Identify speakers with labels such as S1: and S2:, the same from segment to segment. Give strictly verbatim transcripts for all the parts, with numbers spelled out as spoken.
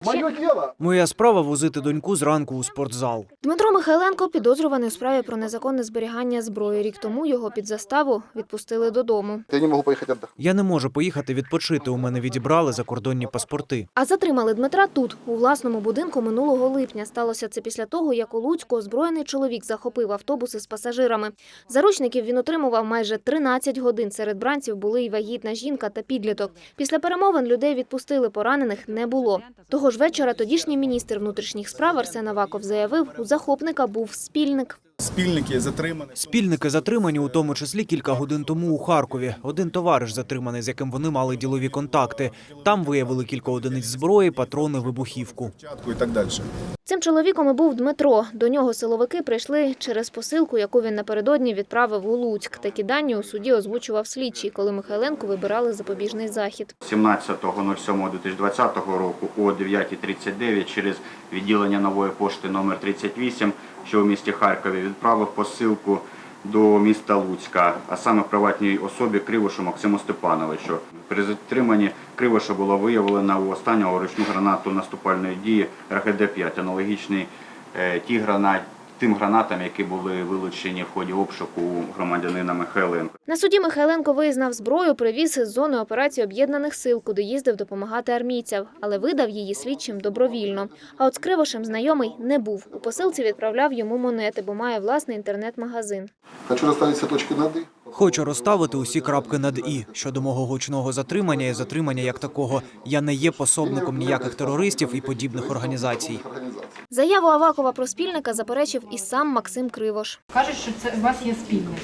S1: Моє діло.
S2: Моя справа – возити доньку зранку у спортзал.
S3: Дмитро Михайленко підозрюваний у справі про незаконне зберігання зброї. Рік тому його під заставу відпустили додому.
S1: Я не можу поїхати віддохнути.
S2: Я не можу поїхати відпочити, у мене відібрали закордонні паспорти.
S3: А затримали Дмитра тут, у власному будинку минулого липня. Сталося це після того, як у Луцьку озброєний чоловік захопив автобус із пасажирами. Заручників він отримував майже тринадцять годин. Серед бранців були і вагітна жінка та підліток. Після перемовин людей відпустили, поранених не було. Того ж вечора тодішній міністр внутрішніх справ Арсен Аваков заявив, у захопника був спільник.
S4: Спільники затримані.
S2: Спільники затримані, у тому числі кілька годин тому у Харкові. Один товариш затриманий, з яким вони мали ділові контакти. Там виявили кілька одиниць зброї, патрони, вибухівку.
S4: І так далі.
S3: Цим чоловіком і був Дмитро. До нього силовики прийшли через посилку, яку він напередодні відправив у Луцьк. Такі дані у суді озвучував слідчий, коли Михайленку вибирали запобіжний захід.
S5: сімнадцятого сьомого дві тисячі двадцятого року о дев'ятій тридцять дев'ять через відділення Нової пошти номер тридцять вісім, що у місті Харкові, відправив посилку до міста Луцька, а саме приватній особі Кривошу Максиму Степановичу. При затриманні Кривоша було виявлено у останнього ручну гранату наступальної дії Р Г Д п'ять, аналогічний ті гранат, тим гранатам, які були вилучені в ході обшуку у громадянина Михайленка.
S3: На суді Михайленко визнав зброю, привіз із зони операції Об'єднаних сил, куди їздив допомагати армійцям, але видав її слідчим добровільно. А от з Кривошем знайомий не був. У посилці відправляв йому монети, бо має власний інтернет-магазин.
S1: Хочу розставити всі точки над «і».
S2: Хочу розставити усі крапки над «і». Щодо мого гучного затримання і затримання як такого. Я не є пособником ніяких терористів і подібних організацій.
S3: Заяву Авакова про спільника заперечив і сам Максим Кривош.
S6: Кажуть, що це у вас є спільники.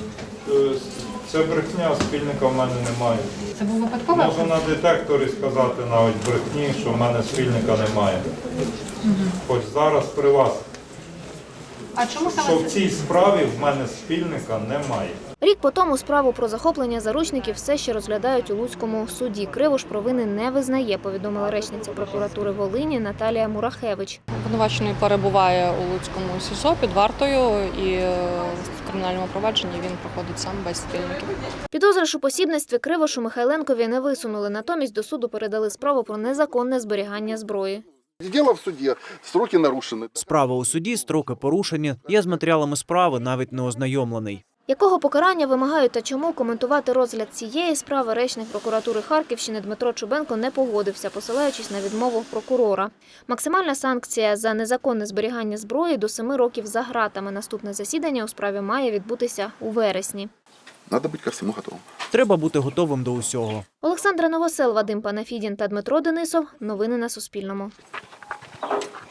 S7: Це брехня, спільника в мене немає.
S6: Це був випадковий?
S7: Можу на детекторі сказати навіть брехні, що в мене спільника немає.
S6: Угу.
S7: Хоч зараз при вас.
S6: А чому саме
S7: Що в
S6: це?
S7: цій справі в мене спільника немає.
S3: Рік по тому справу про захоплення заручників все ще розглядають у Луцькому суді. Кривош провини не визнає, повідомила речниця прокуратури Волині Наталія Мурахевич.
S8: Обвинувачений перебуває у Луцькому СІЗО під вартою і в кримінальному провадженні він проходить сам без спільників.
S3: Підозри у посібництві Кривошу Михайленкові не висунули, натомість до суду передали справу про незаконне зберігання зброї.
S1: Діло в суді, строки нарушені.
S2: Справа у суді, строки порушені. Я з матеріалами справи навіть не ознайомлений.
S3: Якого покарання вимагають та чому, коментувати розгляд цієї справи речник прокуратури Харківщини Дмитро Чубенко не погодився, посилаючись на відмову прокурора. Максимальна санкція за незаконне зберігання зброї до семи років за ґратами. Наступне засідання у справі має відбутися у вересні.
S1: Треба бути ко всьому готовим.
S2: Треба бути готовим до усього.
S3: Олександра Новосел, Вадим Панафідін та Дмитро Денисов. Новини на Суспільному.